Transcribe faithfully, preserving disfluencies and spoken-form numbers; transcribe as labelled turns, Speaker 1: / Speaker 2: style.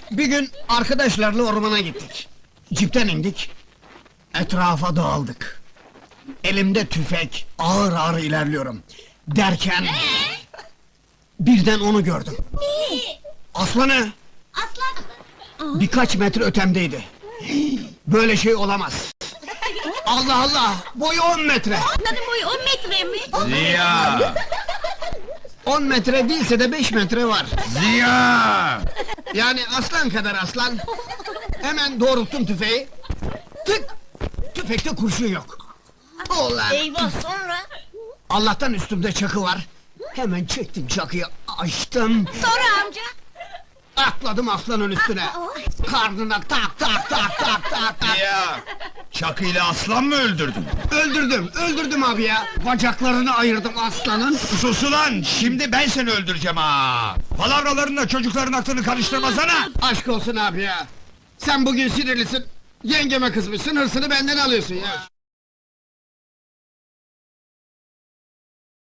Speaker 1: Bir gün arkadaşlarla ormana gittik. Cipten indik. Etrafa dağıldık. Elimde tüfek, ağır ağır ilerliyorum. Derken... birden onu gördüm. Aslanı!
Speaker 2: Aslan!
Speaker 1: Birkaç metre ötemdeydi. Böyle şey olamaz. Allah Allah! Boyu on metre!
Speaker 2: Aslanın boyu on metre mi?
Speaker 3: Ziya!
Speaker 1: On metre değilse de beş metre var.
Speaker 3: Ziya!
Speaker 1: Yani aslan kadar aslan. Hemen doğrulttum tüfeği. Tık! Tüfekte kurşun yok. Ulan!
Speaker 2: Eyvah, sonra?
Speaker 1: Allah'tan üstümde çakı var. Hemen çektim çakıyı, açtım.
Speaker 2: Sonra amca?
Speaker 1: Atladım aslanın üstüne. Karnına tak tak tak tak tak tak.
Speaker 3: Ziya! Çakıyla aslan mı öldürdün?
Speaker 1: Öldürdüm, öldürdüm abi ya. Bacaklarını ayırdım aslanın.
Speaker 3: Sus ulan! Şimdi ben seni öldüreceğim ha! Palavralarınla çocukların aklını karıştırmasana!
Speaker 1: Aşk olsun abi ya. Sen bugün sinirlisin. Yengeme kızmışsın, hırsını benden alıyorsun ya.